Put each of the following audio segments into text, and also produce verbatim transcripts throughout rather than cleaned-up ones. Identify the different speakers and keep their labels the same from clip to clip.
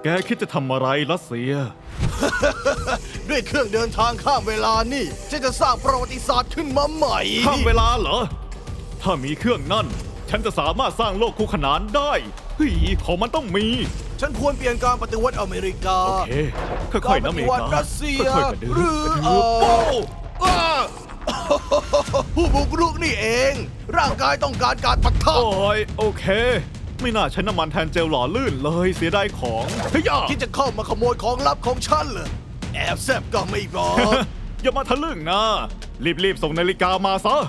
Speaker 1: แกคิดจะทำอะไรรัสเซีย
Speaker 2: ด้วยเครื่องเดินทางข้ามเวลานี่ฉันจะสร้างประวัติศาสตร์ขึ้นมาใหม่
Speaker 1: ข้ามเวลาเหรอ ถ้ามีเครื่องนั่น ฉันจะสามารถสร้างโลกคู่ขนานได้เฮ้ยของมันต้องมี
Speaker 2: ฉันควรเปลี่ยนการปฏิวัติอเมริกา
Speaker 1: โอเคค่อยๆนะอเมริ
Speaker 2: วั
Speaker 1: กา
Speaker 2: รัสเซีย
Speaker 1: ค่อยๆกระดื
Speaker 2: หรือ
Speaker 1: กระ
Speaker 2: เอ
Speaker 1: ดือโอ้
Speaker 2: ออ้าผู้บุกรุกนี่เอง ร่างกายต้องการการปะทะ
Speaker 1: โอ้ยโอเค ไม่น่าใช้น้ำมันแทนเจลหล่อลื่นเลยเสียดายของเฮ้ยอย่า
Speaker 2: คิดจะเข้ามาขโมยของลับของฉันเหรอแอบแซบก็ไม่บอก
Speaker 1: อย่ามาทะลึ่งนะ รีบๆส่งนาฬิกามาซะ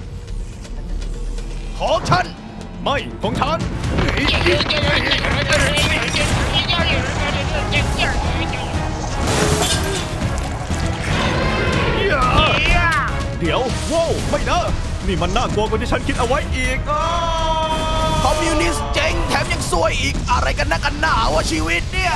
Speaker 2: ของฉัน
Speaker 1: ไม่ของฉัน เดี๋ยวว้าวไม่นะ นี่มันน่ากลัวกว่าที่ฉันคิดเอาไว้อีกอ่ะ
Speaker 2: คอมมิวนิสต์เจ๊งแถมยังซวยอีกอะไรกันนักกันหนาวะชีวิตเนี่ย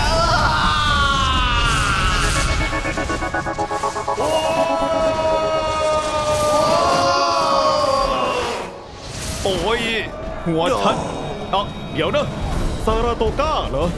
Speaker 1: โอ้ยหัวฉันเอ่ะเดี๋ยวนะซาราโตก้าเหรอ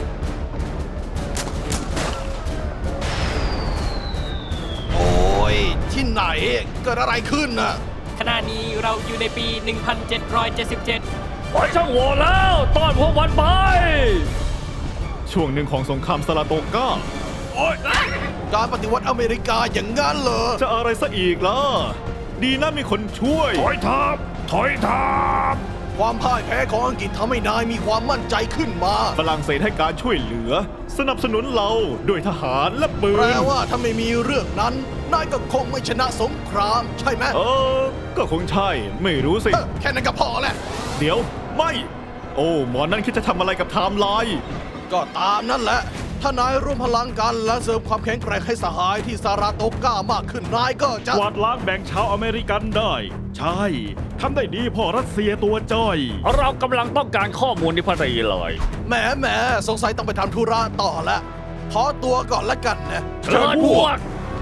Speaker 2: โอ้ยที่ไหนเกิดอะไรขึ้นน่ะ
Speaker 3: ขณะนี้เราอยู่ในปี หนึ่งพันเจ็ดร้อยเจ็ดสิบเจ็ด
Speaker 4: ปล่อยช่างโหว่แล้วต้อนพวกมันไป
Speaker 1: ช่วงหนึ่งของสงครามซาราโตก้า
Speaker 2: การปฏิวัติอเมริกาอย่างงั้นเหรอ
Speaker 1: จะอะไรซะอีกล่ะ ดีนะมีคนช่วย
Speaker 4: ถอยทับถอยทับ
Speaker 2: ความพ่ายแพ้ของอังกฤษทำให้นายมีความมั่นใจขึ้นมา
Speaker 1: ฝรั่งเศสให้การช่วยเหลือ สนับสนุนเราด้วยทหารและปื
Speaker 2: แปล
Speaker 1: น
Speaker 2: ว่าถ้าไม่มีเรื่องนั้น นายก็คงไม่ชนะสงครามใช่ไหม
Speaker 1: เออ ก็คงใช่ ไม่รู้สิ
Speaker 2: เอ้อแค่นั้นก็พอแหละ
Speaker 1: เดี๋ยว ไม่ โอ้ หมอนั่นคิดจะทำอะไรกับไทม์ไลน์
Speaker 2: ก็ตามนั่นแหละ ถ้านายร่วมพลังกันและเสริมความแข็งแกร่งให้สหายที่ซาราโตก้ามากขึ้นนายก็จะ
Speaker 4: กวาดล้างแบ่งชาวอเมริกันได้ ใช่ทำได้ดีพ่อรัสเซียตัวจ้อย เรากำลังต้องการข้อมูลที่พอดีเลย
Speaker 2: แหมแหมสงสัยต้องไปทำธุระต่อแล้วขอตัวก่อนละกันนะ
Speaker 4: เชิญพวก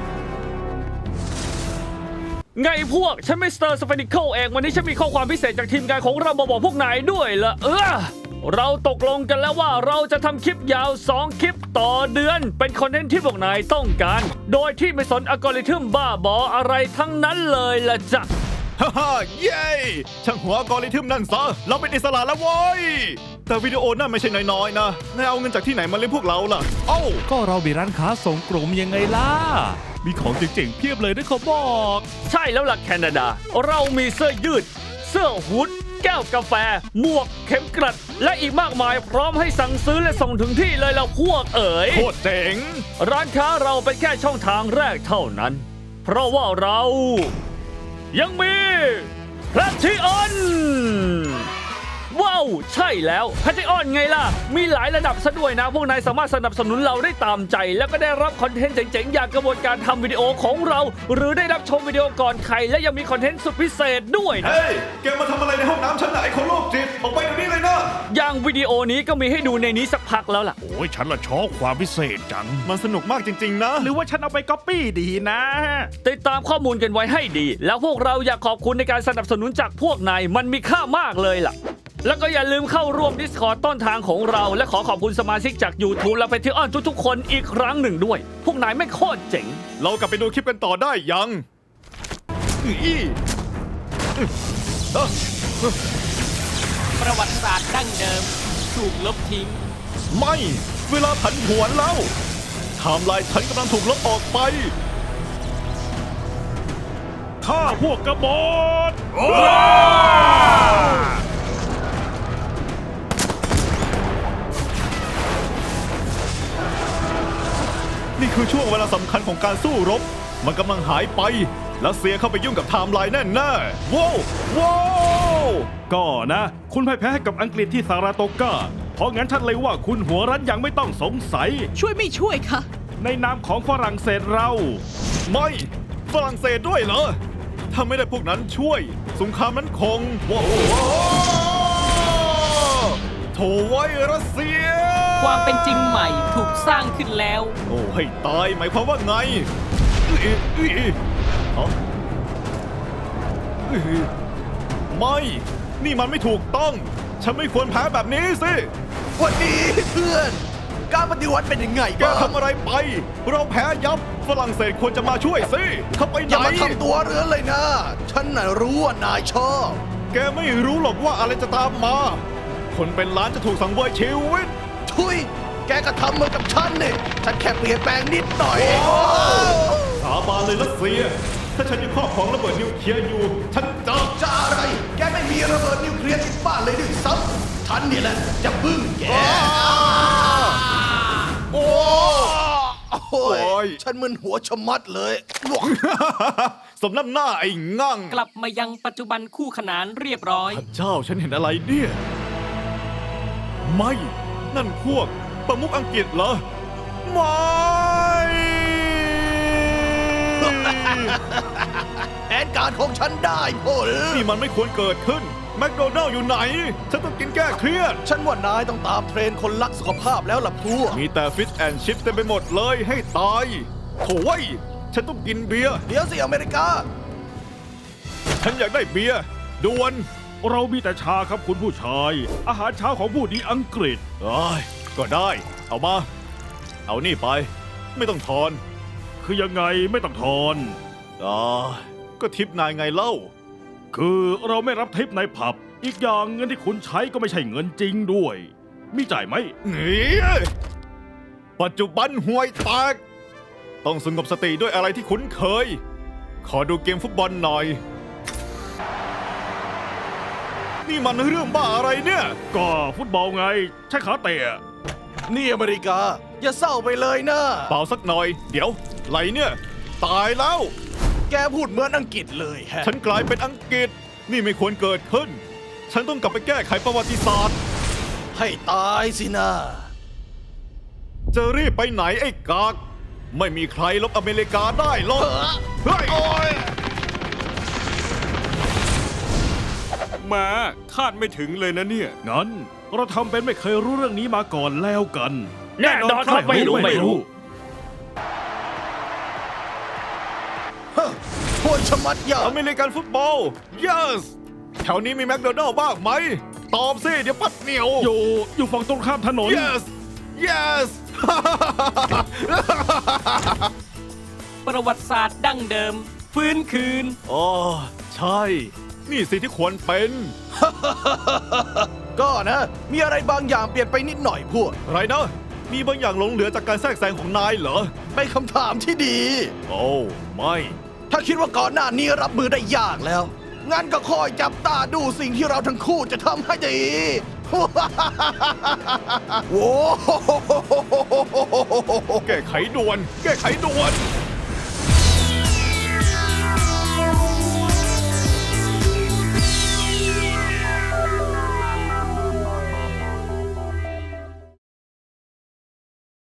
Speaker 4: ไงพวก ฉันมิสเตอร์สเฟนิเคิลเอง วันนี้ฉันมีข้อความพิเศษจากทีมงานของเรามาบอกพวกนายด้วยละเออ เราตกลงกันแล้วว่าเราจะทำคลิปยาว สอง คลิปต่อเดือน เป็นคอนเทนต์ที่พวกนายต้องการ โดยที่ไม่สนอัลกอริทึมบ้าบออะไรทั้งนั้นเลยละจ้ะ
Speaker 1: ฮ่าฮ่าเย้ช่างหัวอัลกอริทึมนั่นซะ เราเป็นอิสระแล้วโว้ย แต่วิดีโอนั่นไม่ใช่น้อยๆนะนายเอาเงินจากที่ไหนมาเลี้ยงพวกเราล่ะ เอ้า
Speaker 5: ก็เรามีร้านค้าส่งกลุ่มยังไงล่ะ มีของเจ๋งๆเพียบเลยนะเขาบอก
Speaker 4: ใช่แล้วล่ะแคนาดา เรามีเสื้อยืด เสื้อฮูดแก้วกาแฟ หมวก เข็มกลัด และอีกมากมายพร้อมให้สั่งซื้อและส่งถึงที่เลยล่ะพวกเอ๋ย
Speaker 1: โคตรเจ๋ง
Speaker 4: ร้านค้าเราเป็นแค่ช่องทางแรกเท่านั้น เพราะว่าเรา ยังมีแพลทิออนว้าว ใช่แล้วแพลทิออนไงล่ะ มีหลายระดับซะด้วยนะ พวกนายสามารถสนับสนุนเราได้ตามใจ แล้วก็ได้รับคอนเทนต์เจ๋งๆ อย่างกระบวนการทำวิดีโอของเรา หรือได้รับชมวิดีโอก่อนใคร และยังมีคอนเทนต์สุดพิเศษด้วยนะ
Speaker 1: เฮ้ย แกมาทำอะไรในห้องน้ำฉันน่ะไอ้คนโรคจิต ออกไปเดี๋ยวนี้เลยนะ
Speaker 4: อย่างวิดีโอนี้ก็มีให้ดูในนี้สักพักแล้วล่ะ
Speaker 5: โอ้ยฉันละชอบความพิเศษจัง
Speaker 1: มันสนุกมากจริงๆนะ
Speaker 5: หรือว่าฉันเอาไปก๊อปปี้ดีนะ
Speaker 4: ติดตามข้อมูลกันไว้ให้ดี แล้วพวกเราอยากขอบคุณในการสนับสนุนจากพวกนายมันมีค่ามากเลยล่ะ แล้วก็อย่าลืมเข้าร่วม Discord ต้นทางของเรา และขอขอบคุณสมาชิกจาก YouTube และ Patreon ทุกๆคนอีกครั้งหนึ่งด้วย พวกนายไม่โคตรเจ๋ง
Speaker 1: เรากลับไปดูคลิปกันต่อได้ยังอีเอ้อ
Speaker 3: ประวัติศาสตร์ดั้งเดิม ถูกลบทิ้ง
Speaker 1: ไม่ เวลาผันผวนแล้วไทม์ไลน์ฉันกำลังถูกลบออกไป
Speaker 4: ข้าพวกกบฏ
Speaker 1: นี่คือช่วงเวลาสำคัญของการสู้รบ มันกำลังหายไป รัสเซียเข้าไปยุ่งกับไทม์ไลน์แน่แน่ๆว้าวว้าว
Speaker 4: ก็นะ คุณพ่ายแพ้ให้กับอังกฤษที่ซาราโตกา เพราะงั้นฉันเลยว่าคุณหัวรั้นยังไม่ต้องสงสัย
Speaker 6: ช่วยไม่ช่วยคะ
Speaker 4: ในนามของฝรั่งเศสเรา
Speaker 1: ไม่ ฝรั่งเศสด้วยเหรอ ถ้าไม่ได้พวกนั้นช่วย สงครามนั้นคงว้าวโถไว้รัสเซีย
Speaker 3: ความเป็นจริงใหม่ถูกสร้างขึ้นแล้ว
Speaker 1: โอ้ให้ตายหมายความว่าไงอื้ออื้ออื้อฮะอื้อไม่ นี่มันไม่ถูกต้อง ฉันไม่ควรแพ้แบบนี้สิ
Speaker 2: วันนี้เพื่อนการปฏิวัติเป็นยังไง
Speaker 1: แก
Speaker 2: บ้าง
Speaker 1: ทำอะไรไป เราแพ้ยับ ฝรั่งเศสควรจะมาช่วยสิ เขาไปไหน
Speaker 2: อย่ามาทำตัวเรือนเลยนะ ฉันน่ะรู้ว่านายชอบ
Speaker 1: แกไม่รู้หรอกว่าอะไรจะตามมา คนเป็นล้านจะถูกสังเวยชีวิต
Speaker 2: ทุย แกก็ทำเหมือนกับฉันนี่ ฉันแค่เปลี่ยนแปลงนิดหน่อย
Speaker 1: สาบานเลยรัสเซีย ถ้าฉันยังครอบครองระเบิดนิวเคลียร์อยู่ ฉันจะ
Speaker 2: จะอะไร แกไม่มีระเบิดนิวเคลียร์ที่บ้านเลยด้วยซ้ำฉันนี่แหละจะบึ้งแก
Speaker 1: โอ้
Speaker 2: โอ้ย
Speaker 1: โอ้ย
Speaker 2: ฉันมึนหัวชะมัดเลย
Speaker 1: สมน้ำหน้าไอ้งั่ง
Speaker 3: กลับมายังปัจจุบันคู่ขนานเรียบร้อย
Speaker 1: เจ้าฉันเห็นอะไรเนี่ย ไม่ นั่นพวกประมุขอังกฤษเหรอ ไม่
Speaker 2: แผนการของฉันได้ผล
Speaker 1: นี่มันไม่ควรเกิดขึ้น แมคโดนัลล์อยู่ไหน ฉันต้องกินแก้เครียด
Speaker 2: ฉันว่านายต้องตามเทรนด์คนรักสุขภาพแล้วล่ะพวก
Speaker 1: มีแต่ฟิชแอนชิพเต็มไปหมดเลยให้ตายโถ่เว้ยฉันต้องกินเบียร์
Speaker 2: เดี๋ยวสิอเมริกา
Speaker 1: ฉันอยากได้เบียร์ด่วน
Speaker 5: เรามีแต่ชาครับคุณผู้ชาย อาหารเช้าของผู้ดีอังกฤษ
Speaker 1: เอ้ยก็ได้ เอามา เอานี่ไป ไม่ต้องทอน
Speaker 5: คือยังไงไม่ต้องทอน
Speaker 1: อ่าก็ทิปนายไงเล่า
Speaker 5: คือเราไม่รับทิปในผับ อีกอย่างเงินที่คุณใช้ก็ไม่ใช่เงินจริงด้วย มีจ่ายไหม
Speaker 1: หนีปัจจุบันห่วยแตก ต้องสงบสติด้วยอะไรที่คุ้นเคย ขอดูเกมฟุตบอลหน่อย นี่มันเรื่องบ้าอะไรเนี่ย
Speaker 5: ก็ฟุตบอลไง ใช้ขาเตะ
Speaker 2: นี่อเมริกา อย่าเศร้าไปเลยนะ
Speaker 1: เปล่าสักหน่อย เดี๋ยวไหลเนี่ย ตายแล้ว
Speaker 2: แกพูดเหมือนอังกฤษเลยแฮะ
Speaker 1: ฉันกลายเป็นอังกฤษ นี่ไม่ควรเกิดขึ้น ฉันต้องกลับไปแก้ไขประวัติศาสตร์
Speaker 2: ให้ตายสินะ
Speaker 1: จะรีบไปไหนไอ้กาก ไม่มีใครลบอเมริกาได้หรอกเฮ้ย
Speaker 6: แมาคาดไม่ถึงเลยนะเนี่ย
Speaker 5: งั้นเราทำเป็นไม่เคยรู้เรื่องนี้มาก่อนแล้วกัน
Speaker 4: แน่นอนครับไม่รู้ไม่รู้
Speaker 2: ฮะโคตรชะมัดยา
Speaker 1: อเมริกันฟุตบอล yes แถวนี้มีแมคโดนัลล์บ้างไหม ตอบสิ เดี๋ยวปัดเหนียว
Speaker 5: อยู่อยู่ฝั่งตรงข้ามถนน
Speaker 1: yes yes
Speaker 3: ประวัติศาสตร์ดั้งเดิม ฟื้นคืน
Speaker 1: อ๋อ ใช่ นี่สิที่ควรเป็น
Speaker 2: ก็นะ มีอะไรบางอย่างเปลี่ยนไปนิดหน่อยพวก
Speaker 1: ไรนะ มีบางอย่างหลงเหลือจากการแทรกแซงของนายเหรอ
Speaker 2: เป็นคำถามที่ดี
Speaker 1: โอ้ ไม่
Speaker 2: ถ้าคิดว่าก่อนหน้านี้รับมือได้ยากแล้ว งั้นก็คอยจับตาดูสิ่งที่เราทั้งคู่จะทำให้ดี โว้
Speaker 1: แก้ไขด่วน แก้ไขด่วน